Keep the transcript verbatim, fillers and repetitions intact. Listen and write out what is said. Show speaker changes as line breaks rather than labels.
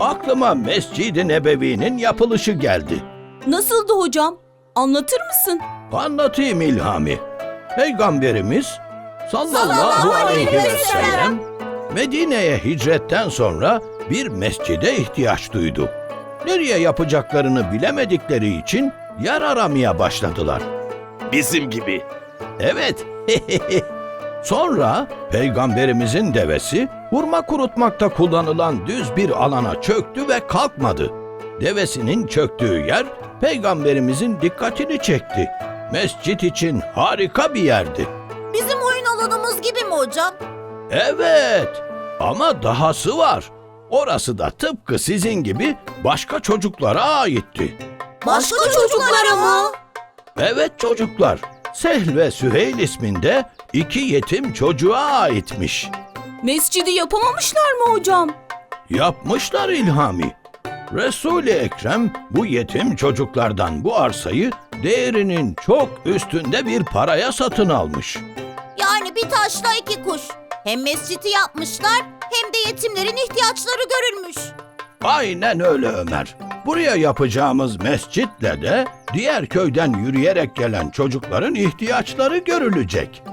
aklıma Mescid-i Nebevi'nin yapılışı geldi.
Nasıldı hocam? Anlatır mısın?
Anlatayım İlhami. Peygamberimiz sallallahu aleyhi ve sellem Medine'ye hicretten sonra bir mescide ihtiyaç duydu. Nereye yapacaklarını bilemedikleri için yer aramaya başladılar.
Bizim gibi.
Evet. Sonra Peygamberimizin devesi hurma kurutmakta kullanılan düz bir alana çöktü ve kalkmadı. Devesinin çöktüğü yer Peygamberimizin dikkatini çekti. Mescit için harika bir yerdi.
Bizim oyun alanımız gibi mi hocam?
Evet, ama dahası var. Orası da tıpkı sizin gibi başka çocuklara aitti.
Başka çocuklara mı?
Evet çocuklar, Sehl ve Süheyl isminde iki yetim çocuğa aitmiş.
Mescidi yapamamışlar mı hocam?
Yapmışlar İlhami. Resul-i Ekrem bu yetim çocuklardan bu arsayı değerinin çok üstünde bir paraya satın almış.
Yani bir taşla iki kuş. Hem mescidi yapmışlar hem de yetimlerin ihtiyaçları görülmüş.
Aynen öyle Ömer. Buraya yapacağımız mescitle de diğer köyden yürüyerek gelen çocukların ihtiyaçları görülecek.